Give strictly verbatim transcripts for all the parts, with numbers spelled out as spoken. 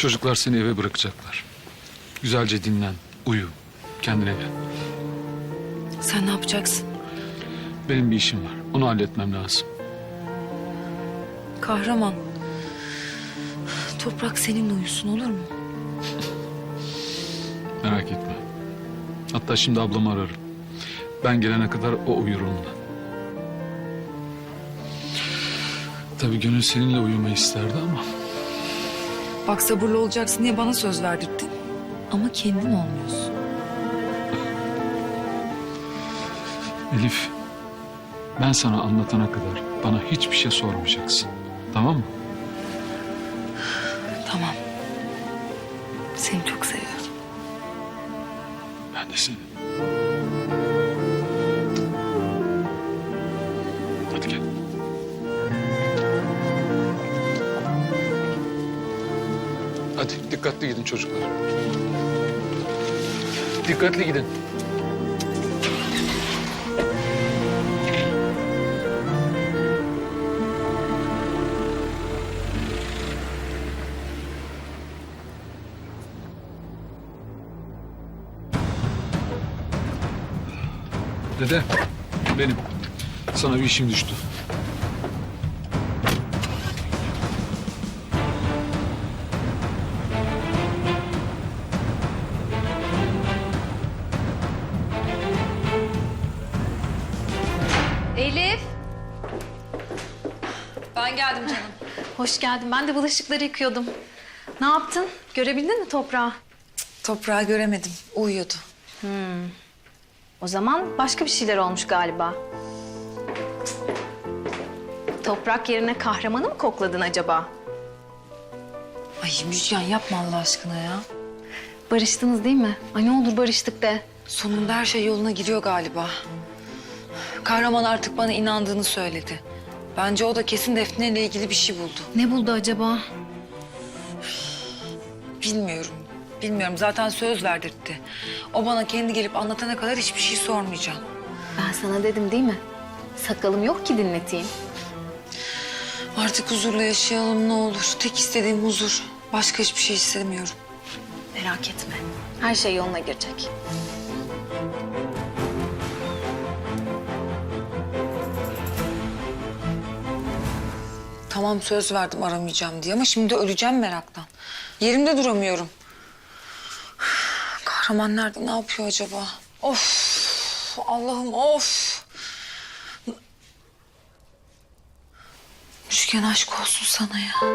Çocuklar seni eve bırakacaklar. Güzelce dinlen, uyu, kendine gel. Sen ne yapacaksın? Benim bir işim var, onu halletmem lazım. Kahraman. Toprak seninle uyusun, olur mu? Merak etme. Hatta şimdi ablamı ararım. Ben gelene kadar o uyur onunla. Tabii gönül seninle uyumayı isterdi ama... Bak, sabırlı olacaksın diye bana söz verdirdin. Ama kendin olmuyorsun. Elif, ben sana anlatana kadar bana hiçbir şey sormayacaksın. Tamam mı? Tamam. Seni çok seviyorum. Ben de seni. Hadi gel. Hadi dikkatli gidin çocuklar. Dikkatli gidin. Dede, benim. Sana bir işim düştü. Elif. Ben geldim canım. Hoş geldin. Ben de bulaşıkları yıkıyordum. Ne yaptın? Görebildin mi toprağı? Toprağı göremedim. Uyuyordu. O zaman başka bir şeyler olmuş galiba. Toprak yerine kahramanı mı kokladın acaba? Ay Müjgan, yapma Allah aşkına ya. Barıştınız değil mi? Ay ne olur barıştık de. Sonunda her şey yoluna giriyor galiba. Kahraman artık bana inandığını söyledi. Bence o da kesin Defne ile ilgili bir şey buldu. Ne buldu acaba? Bilmiyorum. Bilmiyorum. Zaten söz verdirtti. O bana kendi gelip anlatana kadar hiçbir şey sormayacağım. Ben sana dedim değil mi? Sakalım yok ki dinleteyim. Artık huzurla yaşayalım ne olur. Tek istediğim huzur. Başka hiçbir şey istemiyorum. Merak etme. Her şey yoluna girecek. Tamam, söz verdim aramayacağım diye ama şimdi öleceğim meraktan. Yerimde duramıyorum. Kahraman nerede? Ne yapıyor acaba? Of! Allah'ım of! Müjgan, aşk olsun sana ya.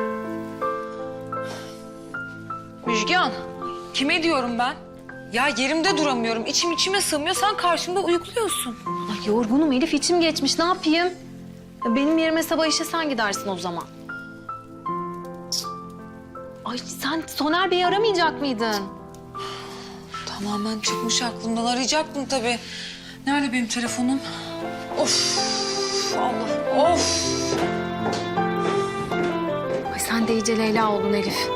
Müjgan, kime diyorum ben? Ya yerimde duramıyorum. İçim içime sığmıyor. Sen karşımda uyukluyorsun. Ay yorgunum Elif, içim geçmiş. Ne yapayım? Ya benim yerime sabah işe sen gidersin o zaman. Ay sen Soner Bey'i aramayacak mıydın? Tamamen çıkmış aklımdan. Arayacaktım tabii. Nerede benim telefonum? Of! Allah! Of! Ay sen de iyice Leyla oldun Elif.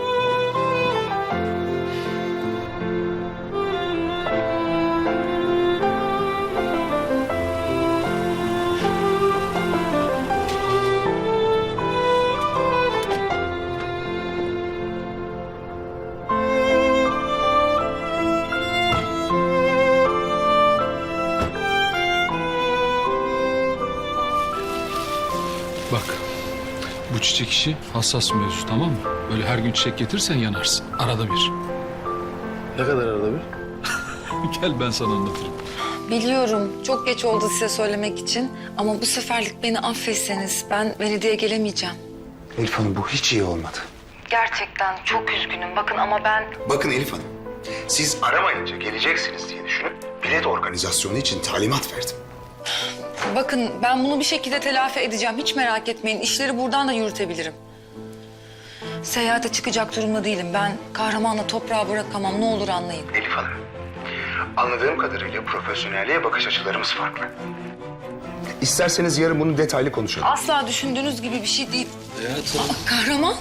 Bak, bu çiçek işi hassas mevzu, tamam mı? Böyle her gün çiçek getirsen yanarsın. Arada bir. Ne kadar arada bir? Gel ben sana anlatırım. Biliyorum, çok geç oldu size söylemek için. Ama bu seferlik beni affetseniz ben Velide'ye gelemeyeceğim. Elif Hanım, bu hiç iyi olmadı. Gerçekten çok üzgünüm. Bakın ama ben... Bakın Elif Hanım, siz aramayınca geleceksiniz diye düşünüp bilet organizasyonu için talimat verdim. Bakın ben bunu bir şekilde telafi edeceğim. Hiç merak etmeyin. İşleri buradan da yürütebilirim. Seyahate çıkacak durumda değilim. Ben kahramanla toprağı bırakamam. Ne olur anlayın. Elif Hanım, anladığım kadarıyla profesyonelliğe bakış açılarımız farklı. İsterseniz yarın bunu detaylı konuşalım. Asla düşündüğünüz gibi bir şey değil. Aa, kahraman.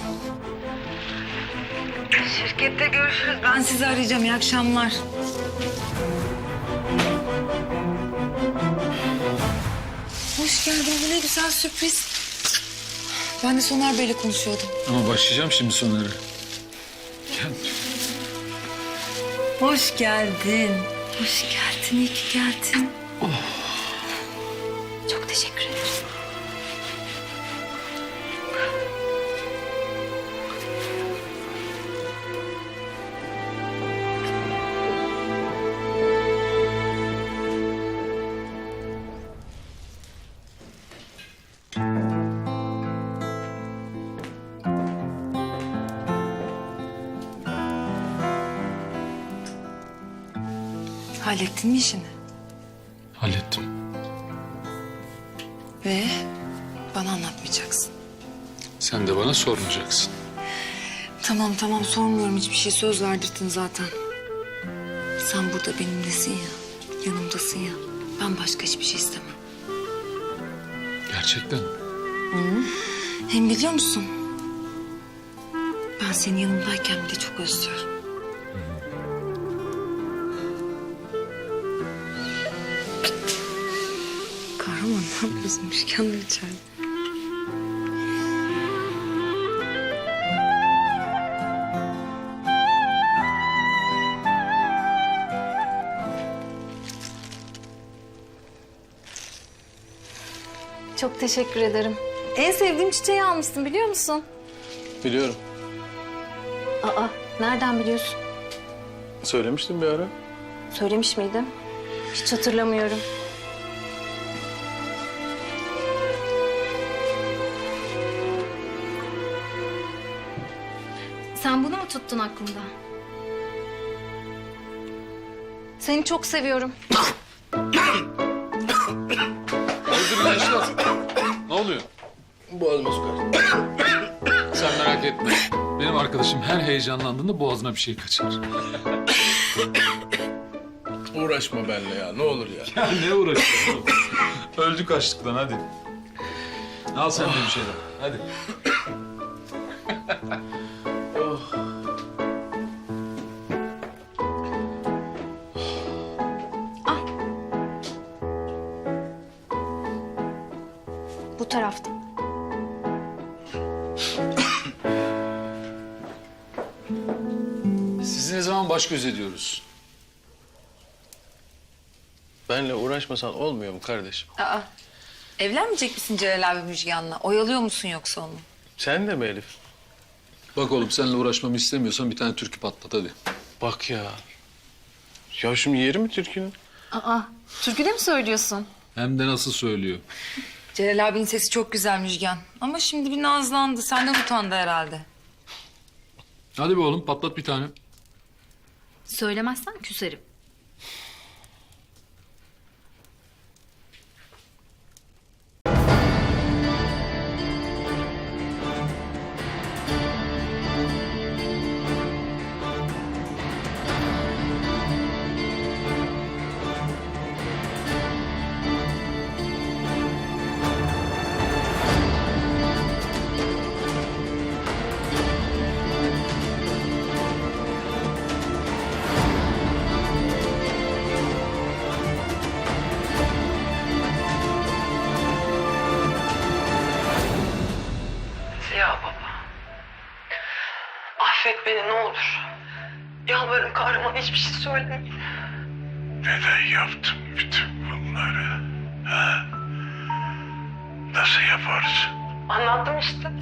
Şirkette görüşürüz. Ben sizi arayacağım. İyi akşamlar. Hoş geldin. Bu ne güzel sürpriz. Ben de Soner Bey'le konuşuyordum. Ama başlayacağım şimdi Soner'e. geldin. Hoş geldin. Hoş geldin, iyi ki geldin. Çok teşekkür ederim. Hallettin mi işini? Hallettim. Ve bana anlatmayacaksın. Sen de bana sormayacaksın. Tamam tamam sormuyorum hiçbir şey, söz verdirdin zaten. Sen burada benimlesin ya, yanımdasın ya. Ben başka hiçbir şey istemem. Gerçekten. Hem biliyor musun? Ben senin yanımdayken bile çok özlüyorum. Kahraman ne yapıyorsun? Müşkenler içeride. Çok teşekkür ederim. En sevdiğim çiçeği almışsın biliyor musun? Biliyorum. Aa, nereden biliyorsun? Söylemiştim bir ara. Söylemiş miydim? Hiç hatırlamıyorum. Sen bunu mu tuttun aklında? Seni çok seviyorum. Öldür yaşlar. Ne oluyor? Boğazıma su kaçtı. Sen merak etme. Benim arkadaşım her heyecanlandığında boğazına bir şey kaçar. Uğraşma benimle ya ne olur ya. Ya ne uğraşıyorsun oğlum? Öldük açlıktan hadi. Al sen de bir şeyler. Hadi. Bu tarafta. Sizi ne zaman baş göz ediyoruz? Benimle uğraşmasan olmuyor mu kardeşim? Aa, evlenmeyecek misin Celal abi Müjgan'la? Oyalıyor musun yoksa onu? Sen de mi Elif? Bak oğlum seninle uğraşmamı istemiyorsan bir tane türkü patlat hadi. Bak ya. Ya şimdi yeri mi türkünün? Aa, türküde mi söylüyorsun? Hem de nasıl söylüyor. Celal abinin sesi çok güzel Müjgan. Ama şimdi bir nazlandı. Senden utandı herhalde. Hadi be oğlum patlat bir tane. Söylemezsen küserim. Ya baba. Affet beni ne olur. Yalvarırım kahraman hiçbir şey söylemeyin. Neden yaptın bütün bunları? Ha? Nasıl yaparsın? Anlattım işte.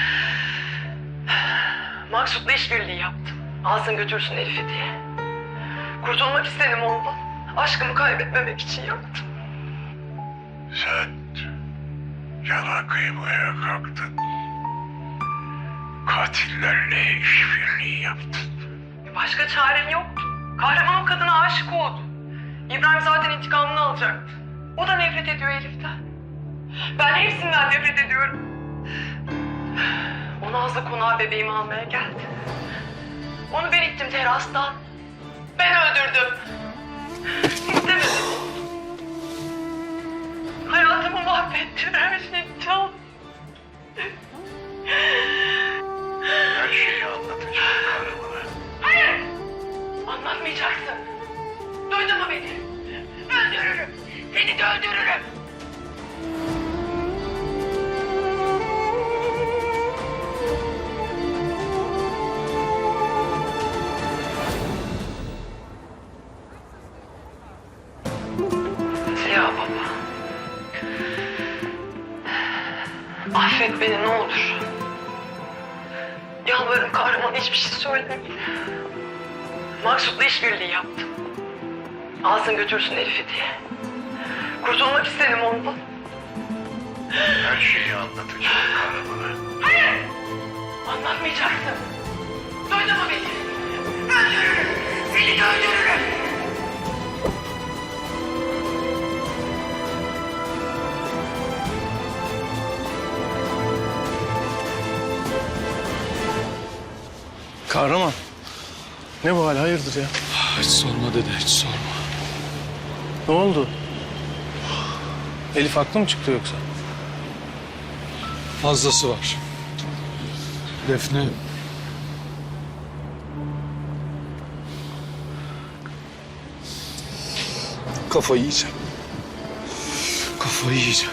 Maksut'la işbirliği yaptım. Alsın götürsün Elif'i diye. Kurtulmak istedim ondan. Aşkımı kaybetmemek için yaptım. Sen yana kıymaya kalktın. Katillerle işbirliği yaptın. Başka çarem yoktu. Kahraman o kadına aşık oldu. İbrahim zaten intikamını alacaktı. O da nefret ediyor Elif'ten. Ben hepsinden nefret ediyorum. O Nazlı konağa bebeğimi almaya geldi. Onu ben ittim terastan. Ben öldürdüm. İstemedim. Hayatımı mahvettin, her şeyi çaldın. Her şeyi anlatacağım kahramana. Hayır! Anlatmayacaksın. Duydun mu beni? Öldürürüm. Seni de öldürürüm. Yalvarırım kahraman hiçbir şey söyleme. Maksut'la işbirliği yaptım. Alsın götürsün Elif'i diye. Kurtulmak istedim ondan. Her şeyi anlatacağım kahramana. Hayır! Anlatmayacaksın. Duydun mu beni? Öldürürüm. Seni de öldürürüm. Kahraman. Ne bu hal, hayırdır ya? Hiç sorma dede, hiç sorma. Ne oldu? Elif haklı mı çıktı yoksa? Fazlası var. Defne... Kafayı yiyeceğim. Kafayı yiyeceğim.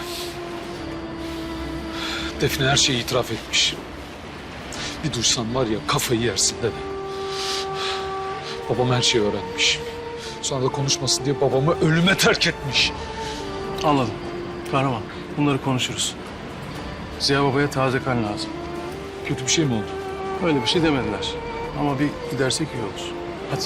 Defne her şeyi itiraf etmiş. Bir duysan var ya kafayı yersin dede. Babam her şeyi öğrenmiş. Sonra da konuşmasın diye babamı ölüme terk etmiş. Anladım. Kahraman, bunları konuşuruz. Ziya Baba'ya taze kan lazım. Kötü bir şey mi oldu? Öyle bir şey demediler. Ama bir gidersek iyi olur. Hadi.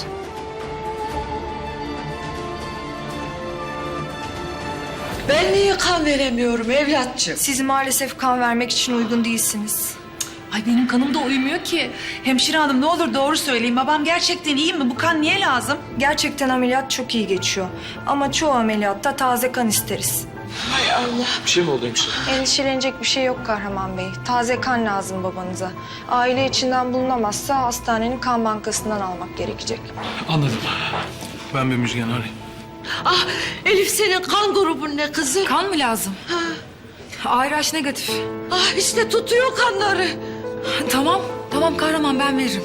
Ben niye kan veremiyorum evlatçım? Siz maalesef kan vermek için uygun değilsiniz. Ay benim kanım da uymuyor ki. Hemşire hanım ne olur doğru söyleyin. Babam gerçekten iyi mi? Bu kan niye lazım? Gerçekten ameliyat çok iyi geçiyor. Ama çoğu ameliyatta taze kan isteriz. Hay Allah. Bir şey mi oldu hemşire? Endişelenecek bir şey yok Kahraman Bey. Taze kan lazım babanıza. Aile içinden bulunamazsa hastanenin kan bankasından almak gerekecek. Anladım. Ben bir Müjgan arayayım. Ah Elif senin kan grubun ne kızım? Kan mı lazım? A R H negatif. Ah işte tutuyor kanları. Tamam, tamam kahraman ben veririm.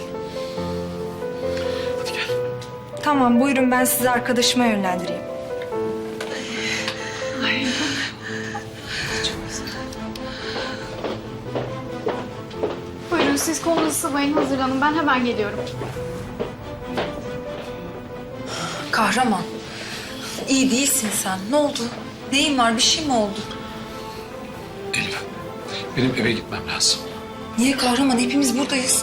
Hadi gel. Tamam buyurun ben sizi arkadaşıma yönlendireyim. Buyurun siz kolunuzu sıvayın, hazırlanın. Ben hemen geliyorum. Kahraman, iyi değilsin sen. Ne oldu? Neyin var? Bir şey mi oldu? Elif, benim eve gitmem lazım. Niye kahraman? Hepimiz buradayız.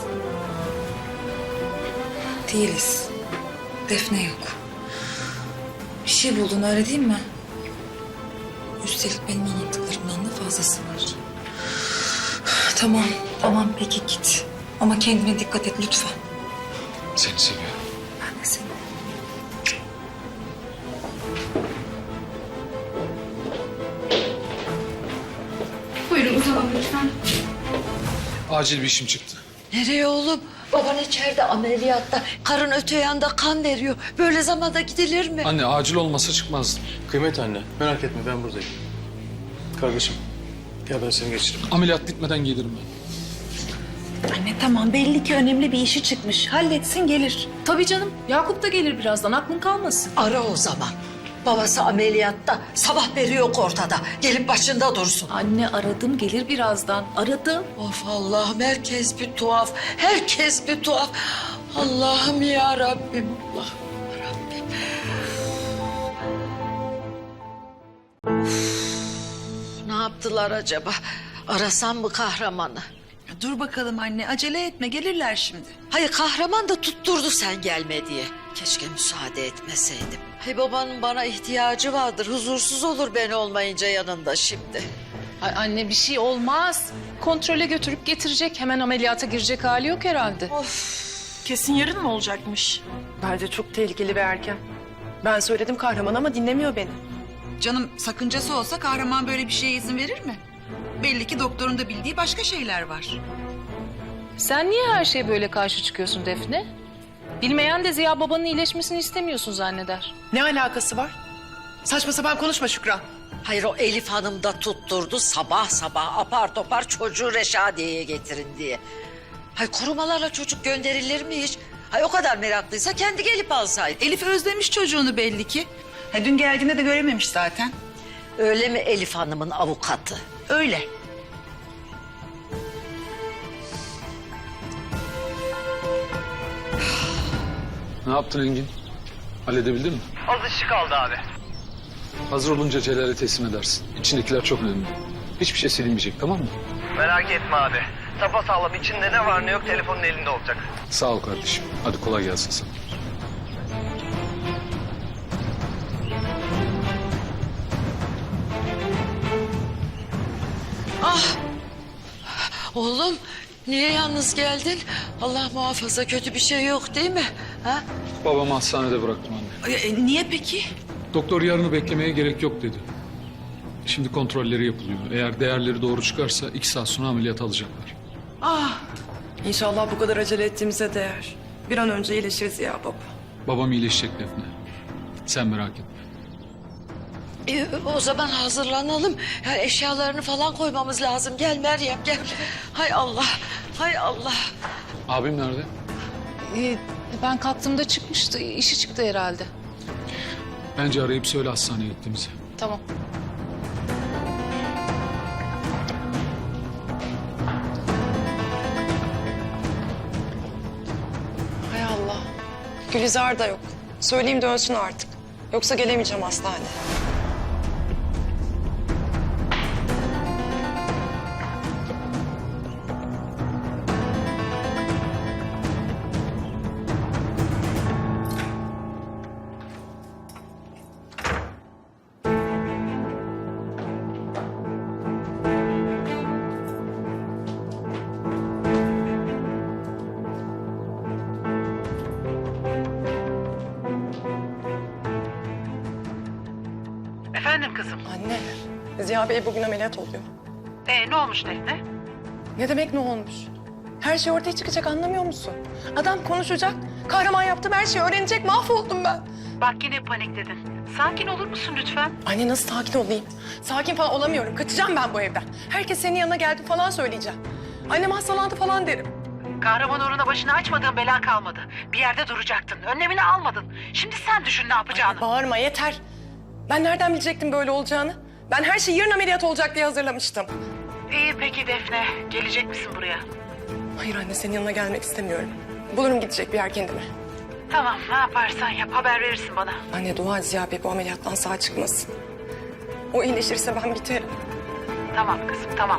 Değiliz. Defne yok. Bir şey buldun öyle değil mi? Üstelik benim anlattıklarımdan da fazlası var. Tamam, tamam peki git. Ama kendine dikkat et lütfen. Seni seviyorum. Ben de seni. Buyurun uzanın lütfen. Acil bir işim çıktı. Nereye oğlum? Baban içeride ameliyatta. Karın öte yanda kan veriyor. Böyle zamanda gidilir mi? Anne acil olmasa çıkmazdım. Kıymet anne, merak etme ben buradayım. Kardeşim, gel ben seni geçiririm. Ameliyat bitmeden gelirim ben. Anne tamam belli ki önemli bir işi çıkmış. Halletsin gelir. Tabii canım. Yakup da gelir birazdan. Aklın kalmasın. Ara o zaman. Babası ameliyatta. Sabah beri yok ortada. Gelip başında dursun. Anne aradım gelir birazdan. Aradım. Of Allah'ım herkes bir tuhaf. Herkes bir tuhaf. Allah'ım ya Rabbim. Allah'ım ya Rabbim. Of, ne yaptılar acaba? Arasam mı kahramanı? Dur bakalım anne acele etme gelirler şimdi. Hayır kahraman da tutturdu sen gelme diye. Keşke müsaade etmeseydim. Hay babanın bana ihtiyacı vardır. Huzursuz olur ben olmayınca yanında şimdi. Ay anne bir şey olmaz. Kontrole götürüp getirecek. Hemen ameliyata girecek hali yok herhalde. Kesin yarın mı olacakmış? Bence çok tehlikeli ve erken. Ben söyledim kahraman ama dinlemiyor beni. Canım sakıncası olsa kahraman böyle bir şeye izin verir mi? Belli ki doktorun da bildiği başka şeyler var. Sen niye her şeye böyle karşı çıkıyorsun Defne? Bilmeyen de Ziya babanın iyileşmesini istemiyorsun zanneder. Ne alakası var? Saçma sapan konuşma Şükran. Hayır o Elif Hanım da tutturdu sabah sabah apar topar çocuğu Reşadiye'ye getirin diye. Hay korumalarla çocuk gönderilir mi hiç? Hay o kadar meraklıysa kendi gelip alsaydı. Elif özlemiş çocuğunu belli ki. Ha, dün geldiğinde de görememiş zaten. Öyle mi Elif Hanım'ın avukatı? Öyle. Ne yaptın Engin? Halledebildin mi? Az işi kaldı abi. Hazır olunca Celal'e teslim edersin. İçindekiler çok önemli. Hiçbir şey silinmeyecek tamam mı? Merak etme abi. Sapasağlam, içinde ne var ne yok telefonun elinde olacak. Sağ ol kardeşim. Hadi kolay gelsin sana. Ah! Oğlum niye yalnız geldin? Allah muhafaza kötü bir şey yok değil mi? Ha? Babamı hastanede bıraktım anne. E, niye peki? Doktor yarını beklemeye gerek yok dedi. Şimdi kontrolleri yapılıyor. Eğer değerleri doğru çıkarsa iki saat sonra ameliyat alacaklar. Ah, İnşallah bu kadar acele ettiğimize değer. Bir an önce iyileşiriz ya baba. Babam iyileşecek Defne. Sen merak etme. E, o zaman hazırlanalım. Ya, eşyalarını falan koymamız lazım. Gel Meryem gel. Hay Allah, hay Allah. Abim nerede? Ee, ben kalktığımda çıkmıştı. İşi çıktı herhalde. Bence arayıp söyle hastaneye gittiğimizi. Tamam. Hay Allah. Gülizar da yok. Söyleyeyim dönsün artık. Yoksa gelemeyeceğim hastaneye. Efendim kızım. Anne, Ziya Bey bugün ameliyat oluyor. Ee, ne olmuş Defne? Ne demek ne olmuş? Her şey ortaya çıkacak, anlamıyor musun? Adam konuşacak, kahraman yaptım her şeyi öğrenecek, mahvoldum ben. Bak yine panikledin. Sakin olur musun lütfen? Anne nasıl sakin olayım? Sakin falan olamıyorum, kaçacağım ben bu evden. Herkes senin yanına geldi falan söyleyeceğim. Annem hastalandı falan derim. Kahraman uğruna başını açmadığın bela kalmadı. Bir yerde duracaktın, önlemini almadın. Şimdi sen düşün ne yapacağını. Bağırma yeter. Ben nereden bilecektim böyle olacağını? Ben her şeyi yarın ameliyat olacak diye hazırlamıştım. İyi peki Defne, gelecek misin buraya? Hayır anne, senin yanına gelmek istemiyorum. Bulurum gidecek bir yer kendime. Tamam, ne yaparsan yap, haber verirsin bana. Anne dua et Ziya Bey bu ameliyattan sağ çıkmasın. O iyileşirse ben biterim. Tamam kızım, tamam.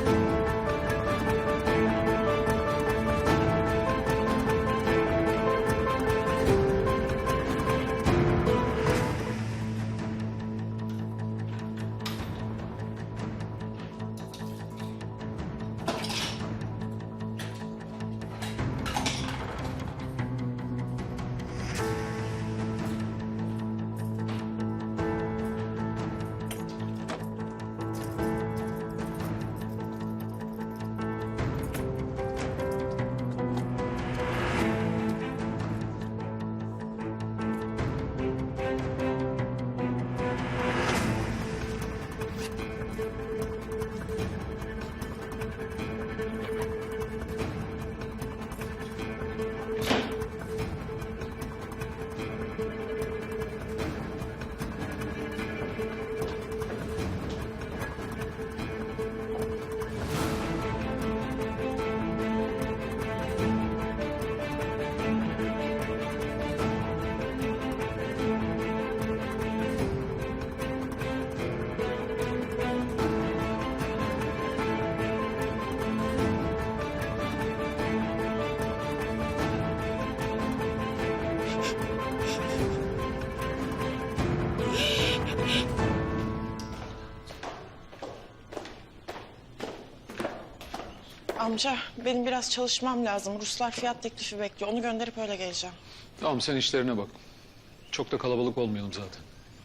Amca benim biraz çalışmam lazım. Ruslar fiyat teklifi bekliyor. Onu gönderip öyle geleceğim. Tamam sen işlerine bak. Çok da kalabalık olmayalım zaten.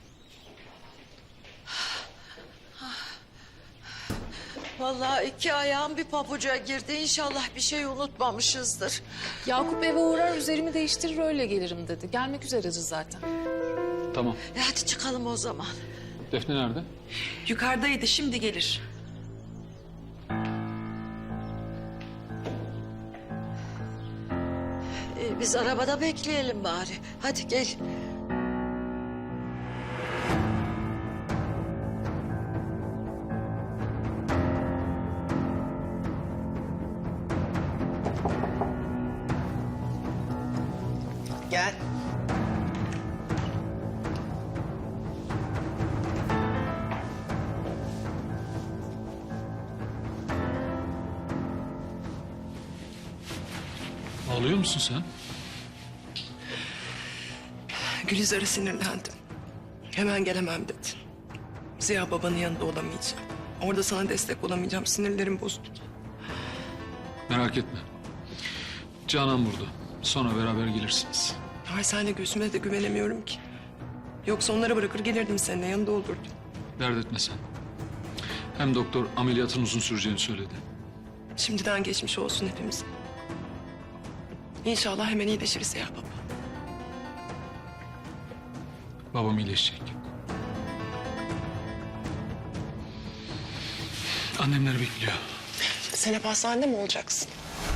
Vallahi iki ayağım bir pabuca girdi. İnşallah bir şey unutmamışızdır. Yakup eve uğrar üzerimi değiştirir öyle gelirim dedi. Gelmek üzereyiz zaten. Tamam. E hadi çıkalım o zaman. Defne nerede? Yukarıdaydı, şimdi gelir. E, biz arabada bekleyelim bari. Hadi gel. Gel. Ağlıyor musun sen? Gülizar'a sinirlendim. Hemen gelemem dedi. Ziya babanın yanında olamayacağım. Orada sana destek olamayacağım. Sinirlerim bozuldu. Merak etme. Canan burada. Sonra beraber gelirsiniz. Ay senle Gülsüm'e de güvenemiyorum ki. Yoksa onları bırakır gelirdim seninle yanında olurdum. Dert etme sen. Hem doktor ameliyatın uzun süreceğini söyledi. Şimdiden geçmiş olsun hepimize. İnşallah hemen iyileşiriz ya baba. Babam iyileşecek. Annemler bekliyor. Sen hep hastanede mi olacaksın?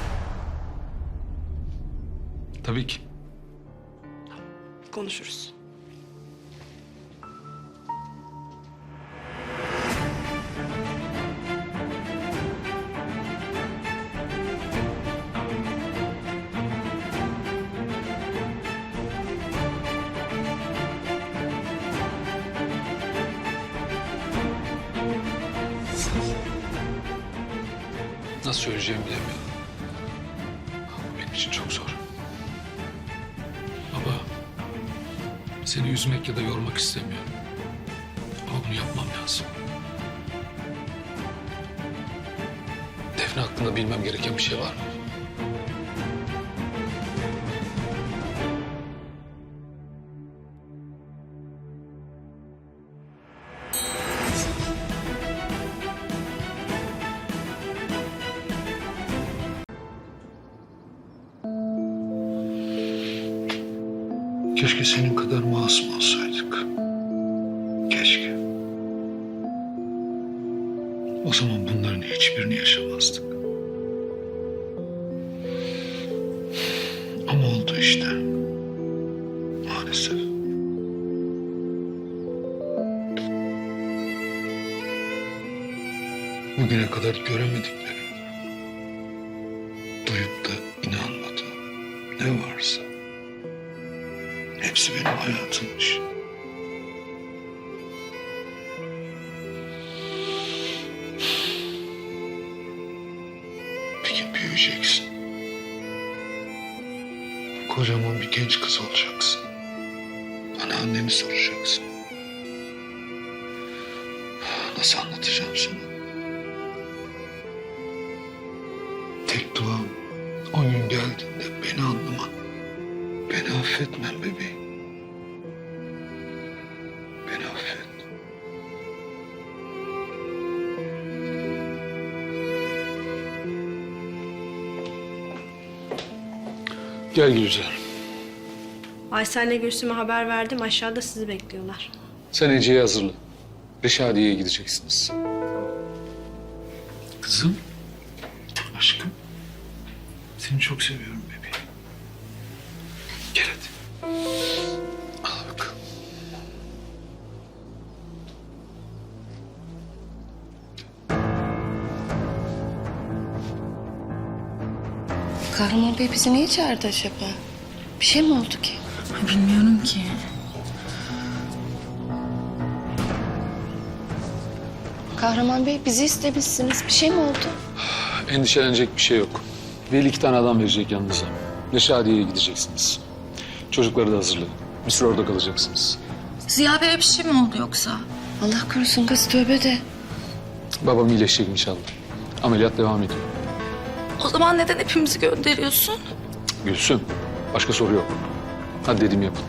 Tabii ki. Konuşuruz. Nasıl söyleyeceğimi bilemiyorum. Benim için çok zor. Baba, seni üzmek ya da yormak istemiyorum. Ama bunu yapmam lazım. Defne hakkında bilmem gereken bir şey var mı? Keşke senin kadar masum olsaydık. Keşke. O zaman bunların hiçbirini yaşamazdık. Ama oldu işte. Maalesef. Bugüne kadar göremediklerim, duyup da inanmadığım ne varsa hepsi benim hayatımmış. Bir gün büyüyeceksin. Kocaman bir genç kız olacaksın. Bana annemi soracaksın. Nasıl anlatacağım sana? Tek duam o gün geldiğinde beni anlaman. Beni affetmen bebeğim. Beni affet. Gel Gülizar. Aysel'le Gülsüm'e haber verdim. Aşağıda sizi bekliyorlar. Sen Ece'yi hazırla. Reşadiye'ye gideceksiniz. Kızım. Aşkım. Seni çok seviyorum bebeğim. Gel hadi. Al bakalım. Kahraman Bey bizi niye çağırdı acaba? Bir şey mi oldu ki? Bilmiyorum ki. Kahraman Bey bizi istemişsiniz. Bir şey mi oldu? Endişelenecek bir şey yok. Veli iki tane adam verecek yanınıza. Reşadiye'ye gideceksiniz. Çocukları da hazırlayın. Bir süre orada kalacaksınız. Ziya Bey'e bir şey mi oldu yoksa? Allah korusun kız, tövbe de. Babam iyileşecek inşallah. Ameliyat devam ediyor. O zaman neden hepimizi gönderiyorsun? Gülsüm, başka soru yok. Hadi dediğimi yapın.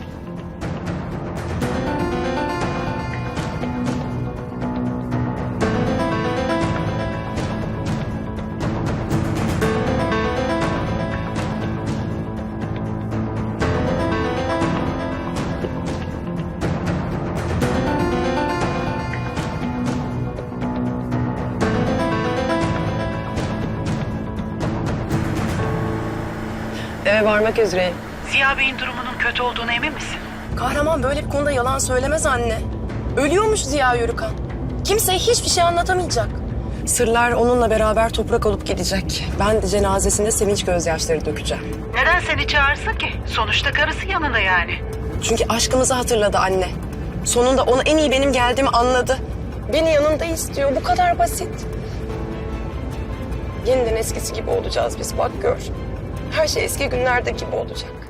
Eve varmak üzereyim. Ziya Bey'in durumunun kötü olduğuna emin misin? Kahraman böyle bir konuda yalan söylemez anne. Ölüyormuş Ziya Yörükan. Kimseye hiçbir şey anlatamayacak. Sırlar onunla beraber toprak olup gidecek. Ben de cenazesinde sevinç gözyaşları dökeceğim. Neden seni çağırsın ki? Sonuçta karısı yanında yani. Çünkü aşkımızı hatırladı anne. Sonunda ona en iyi benim geldiğimi anladı. Beni yanında istiyor. Bu kadar basit. Yeniden eskisi gibi olacağız biz, bak gör. Her şey eski günlerdeki gibi olacak.